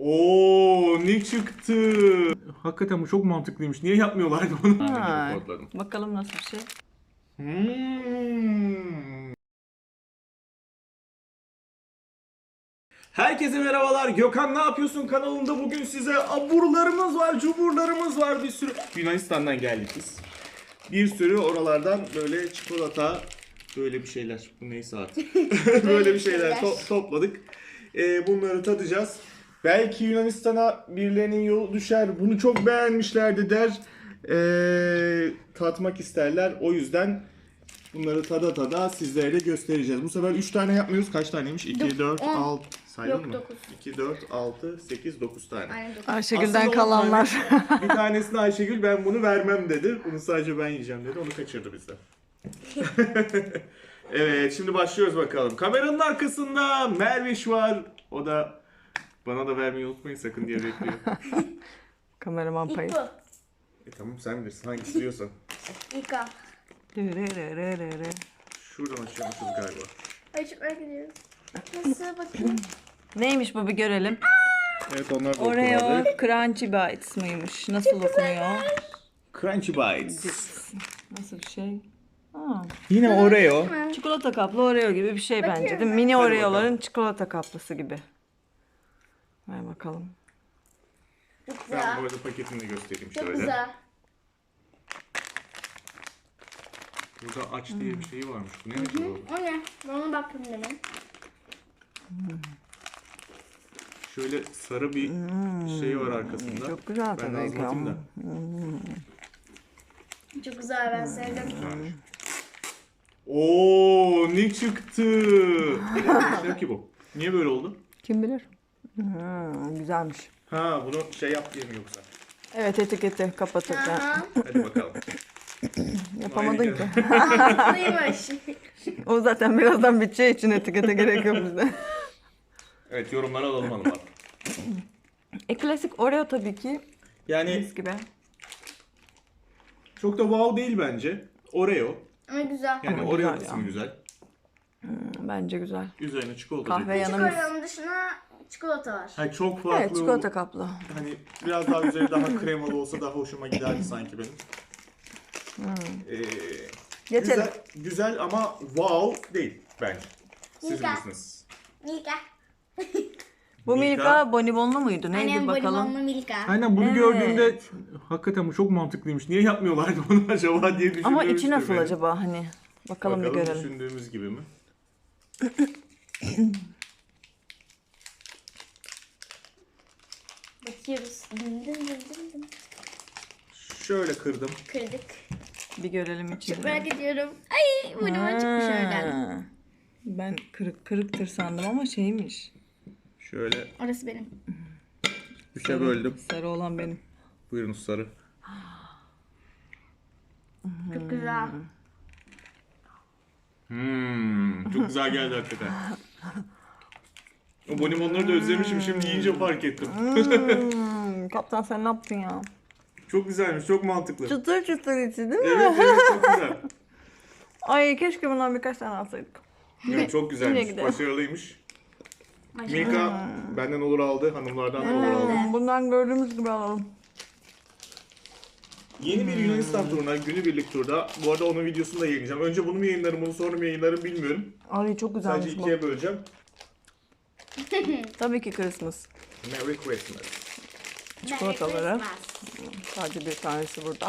Oo, ne çıktı? Hakikaten bu çok mantıklıymış. Niye yapmıyorlardı bunu? Ha, bakalım nasıl bir şey. Herkese merhabalar. Gökhan Ne Yapıyorsun kanalında bugün size aburlarımız var, cuburlarımız var bir sürü. Yunanistan'dan geldik biz. Bir sürü oralardan böyle çikolata, böyle bir şeyler. Bu neyse artık. Böyle bir şeyler topladık. Bunları tadacağız. Belki Yunanistan'a birilerinin yolu düşer. Bunu çok beğenmişlerdi der. Tatmak isterler. O yüzden bunları tada tada sizlere de göstereceğiz. Bu sefer 3 tane yapmıyoruz. Kaç taneymiş? 2, 4, 6. Saydın mı? 9. 2, 4, 6, 8, 9 tane. Aynen 9. Ayşegül'den Aslında kalanlar. Bir tanesini Ayşegül ben bunu vermem dedi. Bunu sadece ben yiyeceğim dedi. Onu kaçırdı bizden. Evet, şimdi başlıyoruz bakalım. Kameranın arkasında Merviş var. O da bana da vermeyi unutmayın sakın diye bekliyor. Kameraman İlk payı. bu. Tamam sen bilirsin hangisi diyorsan. İlk al. Şuradan açıyormuşuz galiba. Ay çok merak ediyorum. Nasıl bakayım? Neymiş bu bir görelim. Evet onlar da Oreo okumadı. Crunchy Bites mıymış? Nasıl okunuyor? Crunchy Bites. Nasıl bir şey? Aa, Yine Oreo. çikolata kaplı Oreo gibi bir şey bence değil mi? ben. Mini Hadi Oreo'ların bakalım. çikolata kaplısı gibi. Ver bakalım. Çok Ben güzel. bu arada paketini de göstereyim Çok şöyle. güzel. Burada aç diye bir şey varmış. Bu ne acaba? O ne? Ben ona bakayım demin. Şöyle sarı bir şey var arkasında. Çok güzel Ben tabii de ki anlatayım da. ama. Çok güzel, ben sevdim. Oo, ne çıktı? Ne ki bu? Niye böyle oldu? Kim bilir? Güzelmiş. Ha, bunu şey yap diye mi yoksa? Evet, etiketi kapatırken. Aha. Hadi bakalım. Yapamadın ki. Haklıymış. O zaten birazdan biteceği için etikete gerek yok bizde. Evet, yorumları alalım hanımlar. Klasik Oreo tabii ki. Yani Mis gibi. çok da wow değil bence. Oreo. Ama güzel. Yani Ama Oreo güzel kısmı ya. güzel. Bence güzel. Üzerine çikolata. Kahve dökülmüş. yanı mis. Çikolatanın dışına çikolata var. Ha, çok farklı. Evet, çikolata kaplı. Hani biraz daha üzeri daha kremalı olsa daha hoşuma giderdi sanki benim. Geçelim. Güzel, güzel ama wow değil bence. Siz Güzel. bilirsiniz. Milka. Bu Milka. Milka bonibonlu muydu? Neydi Annem bakalım? bonibonlu Milka. Aynen bunu Evet. gördüğümde hakikaten bu çok mantıklıymış. Niye yapmıyorlardı bunu acaba diye düşündüm. Ama içi nasıl acaba hani? Bakalım bir görelim. Düşündüğümüz gibi mi? Bakıyoruz. Dım dım dım dım dım. Şöyle kırdım. Kırdık. Bir görelim Çok içini. merak ediyorum. Ay bonibon çıkmış oradan. Ha. Ben kırıktır sandım ama şeymiş. Şöyle Orası benim. üçe böldüm. Sarı olan benim. Buyurun sarı. Çok güzel. Çok güzel geldi hakikaten. O bonibonları da özlemişim şimdi yiyince fark ettim. Kaptan sen ne yaptın ya? Çok güzelmiş, çok mantıklı. Çıtır çıtır içi değil mi? Evet evet çok güzel. Ay keşke bundan birkaç tane alsaydık. Evet, çok Yine güzelmiş, gidelim. başarılıymış. Milka benden olur aldı, hanımlardan da olur aldı. Bundan gördüğümüz gibi alalım. Yeni bir Yunanistan turuna, günübirlik turda. Bu arada onun videosunu da yayınlayacağım. Önce bunu mu yayınlarım, bunu sonra mı yayınlarım bilmiyorum. Ay çok güzelmiş Sadece bu. ikiye böleceğim. Tabii ki Christmas. Merry Christmas. Çikolataları. Sadece bir tanesi burada.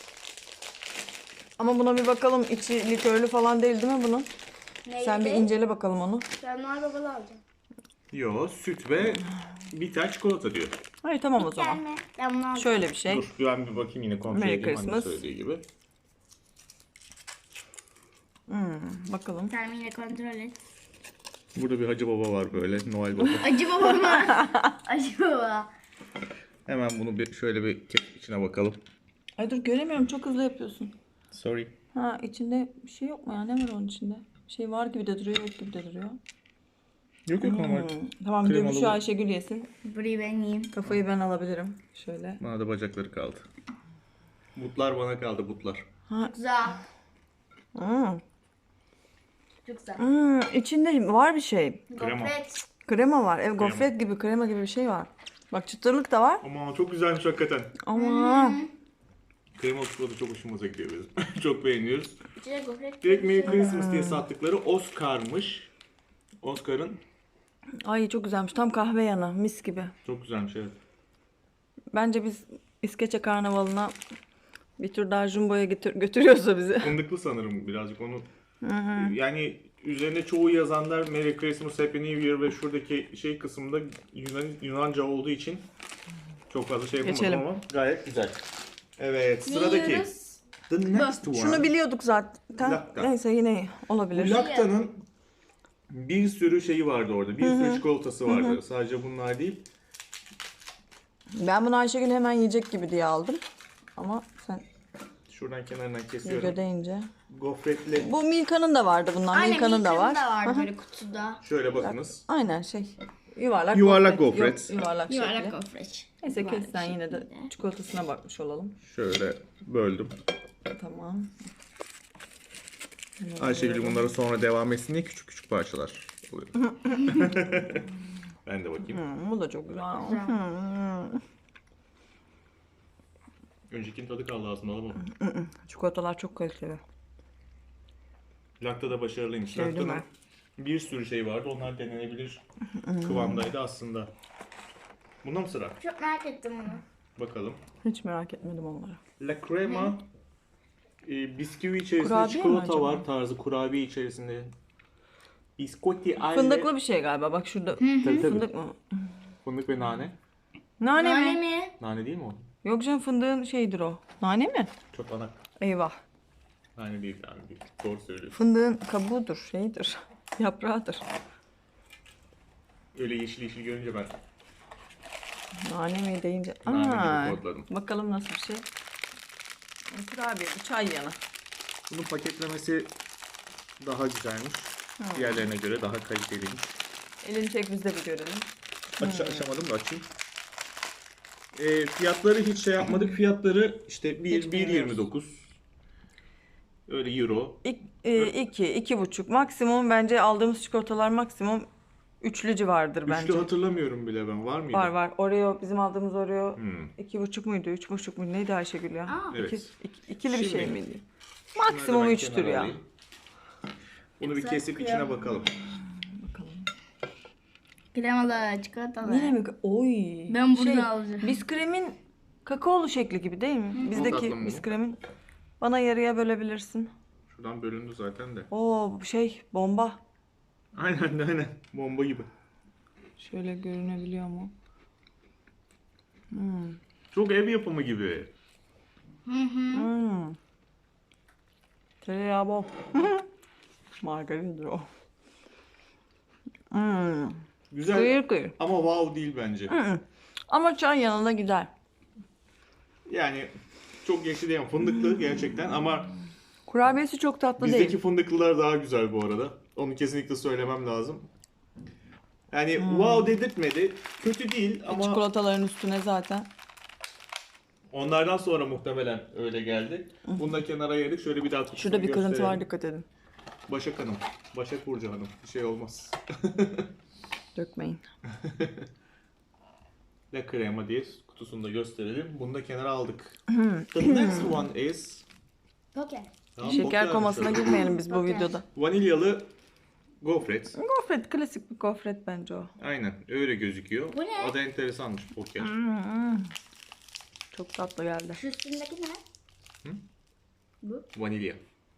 Ama buna bir bakalım. İçi likörlü falan değil mi bunun? Neydi? Sen bir incele bakalım onu. Ben Noel Babalı alacağım. Yo, süt ve bitter çikolata diyor. Hayır tamam o zaman. Gelme. Ben bunu alacağım. Şöyle bir şey. Dur, ben bir bakayım yine kontrol Merry edeyim Christmas. hani söylediği gibi. Bakalım. Sen yine kontrol et. Burada bir Hacı Baba var böyle, Noel Baba. Acı baba mı? Acı baba. Hemen bunu bir şöyle bir içine bakalım. Ay dur göremiyorum çok hızlı yapıyorsun. Sorry. Ha içinde bir şey yok mu ya? Ne var onun içinde? Bir şey var gibi de duruyor, yok gibi de duruyor. Yok yok normal. Tamam Kremalı Gümüşü bu. Ayşegül yesin. Burayı ben yiyeyim. Kafayı ben alabilirim. Şöyle. Bana da bacakları kaldı. Butlar bana kaldı, butlar. Güzel. Hmm. Çok güzel. İçinde var bir şey. Krema. Gofret. Krema var. Gofret gibi, krema gibi bir şey var. Bak çıtırlık da var. Ama çok güzelmiş hakikaten. Ama Kremalı çikolata çok hoşumuza gidiyor bizim. Çok beğeniyoruz. İçine gofret. Direkt Merry Christmas diye sattıkları Oscar'mış. Oscar'ın ay çok güzelmiş. Tam kahve yanı. Mis gibi. çok güzelmiş evet. Bence biz İskeçe Karnavalı'na bir tur daha Jumbo'ya götürüyorsa bizi. Fındıklı sanırım birazcık onu. Yani üzerinde çoğu yazanlar Merry Christmas, Happy New Year ve şuradaki şey kısmında Yunanca olduğu için çok fazla şey yapamadım Geçelim. ama gayet güzel. Evet sıradaki. yiyoruz? The next one. Şunu biliyorduk zaten. Lacta. Neyse yine olabilir. Lacta'nın bir sürü şeyi vardı orada. Bir sürü çikolatası vardı. Sadece bunlar değil. Ben bunu Ayşegül hemen yiyecek gibi diye aldım. Ama sen Şuradan kenarından kesiyorum. video deyince. Gofretli. Bu Milka'nın da vardı bundan. Aynen Milka'nın da var. da böyle kutuda. Şöyle bakınız. Aynen şey. Yuvarlak Yuvarlak Yok, gofret. yuvarlak Yuvarlak şekli. gofret. Neyse Yuvarlak kes sen yine de şeklinde. çikolatasına bakmış olalım. Şöyle böldüm. Tamam. Ayşegül bunlara sonra devam etsin diye küçük küçük parçalar oluyor. Ben de bakayım. Bu da çok güzel. Öncekinin tadı kaldı aslında ama. Çikolatalar çok kaliteli. Lacta da başarılıymış. Sevdim Lacta'nın bir sürü şey vardı. Onlar denenebilir kıvamdaydı aslında. Bunda mı sıra? Çok merak ettim bunu. Bakalım. Hiç merak etmedim onları. La Crema bisküvi içerisinde Kurabiye mi çikolata acaba? var tarzı kurabiye içerisinde. Biscotti alle Fındıklı bir şey galiba. Bak şurada. Tabii, tabii. Fındık mı? Fındık ve nane. Nane Nane mi? mi? Nane değil mi o? Yok canım fındığın şeyidir o. Nane mi? Çok anak. Eyvah. Nane değil yani. Doğru söylüyorsun. Fındığın kabuğudur, şeyidir. Yaprağıdır. Öyle yeşil yeşil görünce ben Nane mi deyince. Nane gibi kodladım. Bakalım nasıl bir şey. Kurabiye, bu çay yanı. bunun paketlemesi daha güzelmiş. Diğerlerine göre daha kaliteliymiş. Elini çek biz de bir görelim. Açamadım da açayım. Fiyatları hiç şey yapmadık. Fiyatları işte Hiç bilmiyoruz. 1.29. Öyle euro. 2,5 maksimum bence aldığımız çikolatalar maksimum üçlü civardır bence. Üçlü hatırlamıyorum bile ben. Var mıydı? Var. Oreo bizim aldığımız Oreo Hmm. 2,5 muydu? 3,5 muydu? Neydi Ayşegül ya? Aa. Evet. İkili bir şey Şimdi- miydi? Bunları Maksimum ben 3'tür kenara ya. alayım. Bunu bir Güzel kesip kokuyor. içine bakalım. Bakalım. Kremalı, çikolatalı. Yine mi? Oy. Ben burada alacağım. Bisküvimin kakaolu şekli gibi değil mi? Tatlı Bizdeki mı bu? bisküvimin. Bana yarıya bölebilirsin. Şuradan bölündü zaten de. Oo bu şey bomba. Aynen. Bomba gibi. Şöyle görünebiliyor mu? Çok ev yapımı gibi. Tereyağı bol. Margarindir o. Güzel Kıyır kıyır. ama wow değil bence. Ama çay yanında gider. Yani çok yeşil değil. Fındıklı gerçekten ama Kurabiyesi çok tatlı bizdeki değil. fındıklılar daha güzel bu arada. Onu kesinlikle söylemem lazım. Yani wow dedirtmedi. Kötü değil ama Çikolataların üstüne zaten. onlardan sonra muhtemelen öyle geldi. Bunu da kenara ayırdık. Şöyle bir daha kutusunu Şurada bir kırıntı gösterelim. var, dikkat edin. Başak Hanım. Başak Burcu Hanım. Bir şey olmaz. Dökmeyin. La Crema diye kutusunu da gösterelim. Bunu da kenara aldık. The next one is Poker. Tamam, Şeker poker komasına yapmışlar. girmeyelim biz bu Okey. videoda. Vanilyalı gofret. Gofret, klasik bir gofret bence o. Aynen öyle gözüküyor. Bu ne? O da enteresanmış poker. Çok tatlı geldi. Şu üstündeki ne? Vanilya.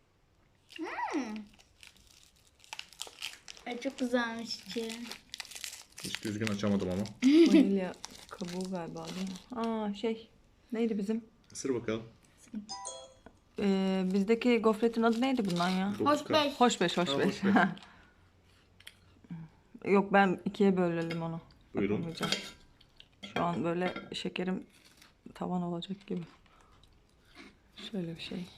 Ay çok güzelmiş içi. Hiç düzgün açamadım ama. Vanilya kabuğu galiba değil mi? Aa şey, neydi bizim? Isır bakalım. Bizdeki gofretin adı neydi bundan ya? Hoş beş. Hoşbeş, Ha, hoşbeş. hoşbeş. Yok ben ikiye bölelim onu. Buyurun. Yapamayacağım. Şu an böyle şekerim tavan olacak gibi. Şöyle bir şey.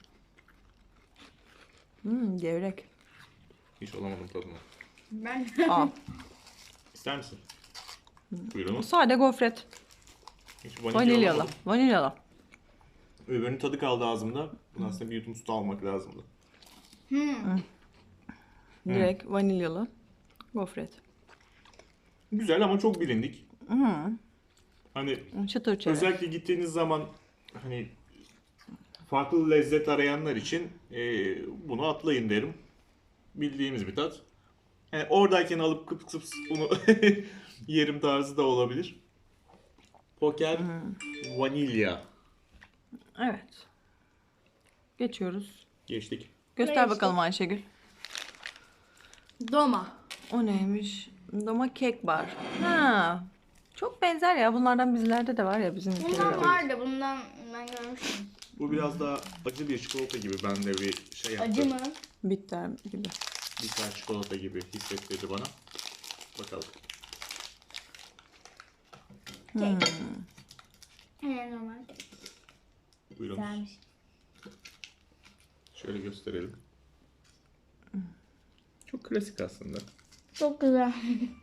Gevrek. Hiç olamadım tadına. Ben Aa, İster misin? Buyurun. sade gofret. Hiç vanilya Vanilyalı. alamadım. Vanilyalı. Öbürünün tadı kaldı ağzımda. Bunu aslında bir yudum su almak lazımdı. Direkt vanilyalı gofret. Güzel ama çok bilindik. Hani Çıtır çerez. özellikle gittiğiniz zaman hani farklı lezzet arayanlar için bunu atlayın derim. Bildiğimiz bir tat. Yani oradayken alıp kıp kıp bunu yerim tarzı da olabilir. Poker vanilya. Evet. Geçiyoruz. Geçtik. Göster Geçtik. bakalım Ayşegül. Doma. O neymiş? Doma kek bar. Ha. Çok benzer ya. Bunlardan bizlerde de var ya, bizim ülkede de Bundan var. vardı. Bundan ben görmüştüm. Bu biraz daha acı bir çikolata gibi. Ben de bir şey yaptım. Acı mı? Bitter gibi. Bitter çikolata gibi hissettirdi bana. Bakalım. Kek. Normal. Buyurun. Güzelmiş. Şöyle gösterelim. Çok klasik aslında. Çok güzel.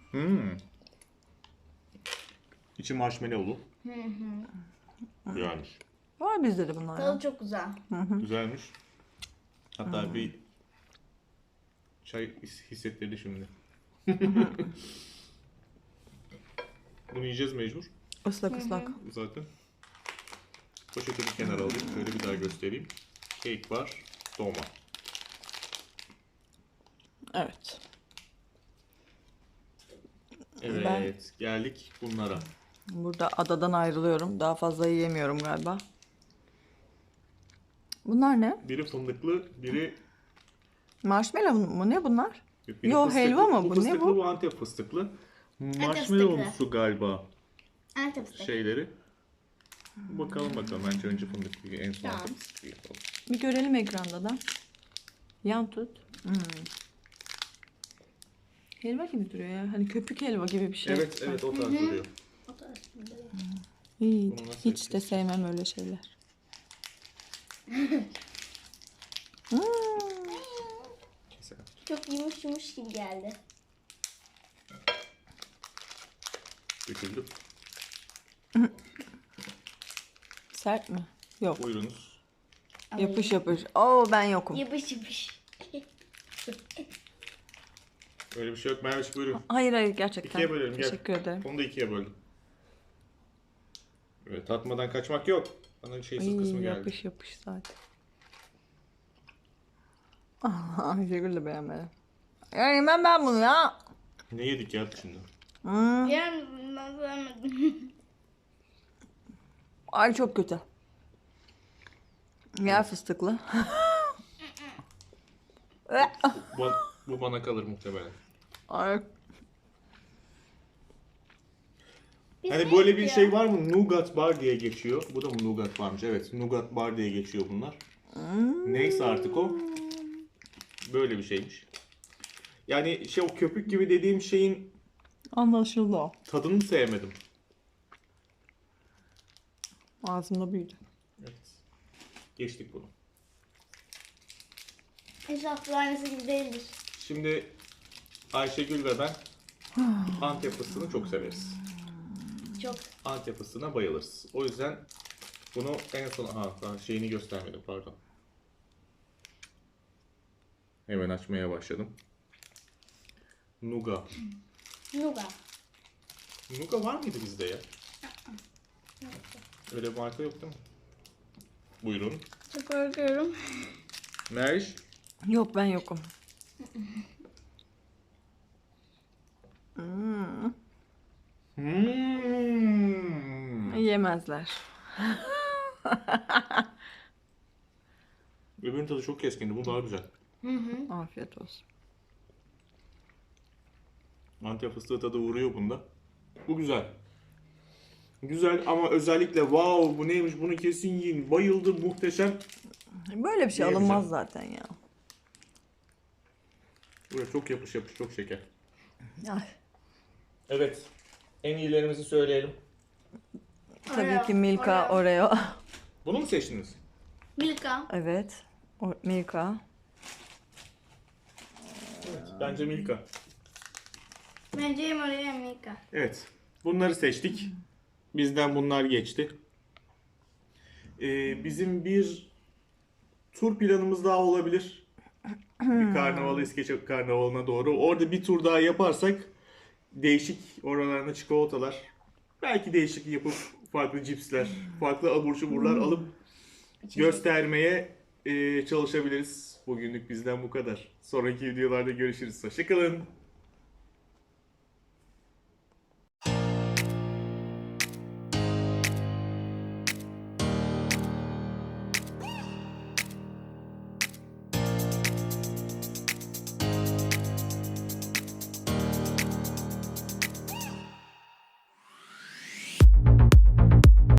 İçi marshmallowlu. Güzelmiş. Var bizde de bunlar ya. Tadı çok güzel. Güzelmiş. Hatta bir çay hissettirdi şimdi. Bunu yiyeceğiz mecbur. Islak ıslak. Zaten. Poşetini kenara alayım. Şöyle bir daha göstereyim. Cake var. Doma. Evet. Evet. Geldik bunlara. Burada adadan ayrılıyorum. Daha fazla yiyemiyorum galiba. Bunlar ne? Biri fındıklı, biri... Marshmallow mu? Ne bunlar? biri Yo, fıstıklı. helva mı? Bu ne fıstıklı, bu? bu Antep fıstıklı. fıstıklı. Marshmallow'umsu galiba Antep fıstık. şeyleri. Bakalım. Bence önce fındıklı, en son Tamam. Antep fıstıklı yapalım. Bir görelim ekranda da. Yan tut. Helva gibi duruyor ya. Hani köpük helva gibi bir şey. Evet, o tarz duruyor. O da aslında. İyi. Bunu nasıl Hiç de sevmem öyle şeyler. Keselim. Çok yumuş gibi geldi. Döküldü. Sert mi? Yok. Buyurunuz. Yapış yapış. Oo, ben yokum. Yapış yapış. Öyle bir şey yok. Merveş buyurun. Hayır gerçekten. İkiye bölelim. Gel. Teşekkür ederim. Onu da ikiye böldüm. Evet, tatmadan kaçmak yok. Bana şeysiz kısmı Ay, geldi. yapış yapış zaten. Ayşegül de beğenmedi. Ya yemem ben bunu ya. Ne yedik ya şimdi? Yani ben sevmedim. Ay çok kötü. Yer fıstıklı. Bu bana kalır muhtemelen. Ay. Biz Hani ne böyle bir yedik şey ya? var mı? Nougat bar diye geçiyor. Bu da mı nougat varmış? Evet, nougat bar diye geçiyor bunlar. Neyse artık o. Böyle bir şeymiş. Yani o köpük gibi dediğim şeyin Anlaşıldı o. tadını sevmedim. Ağzımda büyüdü. Evet. Geçtik bunu. İnşallah aynısı gibi değildir. Şimdi Ayşegül ve ben Antep fıstığını çok severiz. Çok. Antep fıstığına bayılırız. O yüzden bunu en son... daha şeyini göstermedim, pardon. Hemen açmaya başladım. Nuga. Nuga. Nuga var mıydı bizde ya? Öyle bir marka yok değil mi? Buyurun. Çok korkuyorum. Meriç. Yok, ben yokum. Yemezler. Öbürünün tadı çok keskindi. Bu daha güzel. Afiyet olsun. Antep fıstığı tadı vuruyor bunda. Bu güzel. Güzel ama özellikle wow bu neymiş, bunu kesin yiyin. Bayıldım, muhteşem. Böyle bir şey Yiyemeyeceğim. alınmaz zaten ya. Böyle çok yapış yapış, çok şeker. Ay, Evet. En iyilerimizi söyleyelim. tabii ki Milka Oreo. Bunu mu seçtiniz? Milka. Evet. Milka. Evet. Bence Milka. Bence hem oraya hem Milka. Evet. Bunları seçtik. Bizden bunlar geçti. Bizim bir tur planımız daha olabilir. Bir karnaval, İskeçe karnavalına doğru. Orada bir tur daha yaparsak değişik oralarında çikolatalar Belki değişiklik yapıp farklı cipsler, farklı abur cuburlar alıp göstermeye çalışabiliriz. Bugünlük bizden bu kadar. Sonraki videolarda görüşürüz. Hoşçakalın.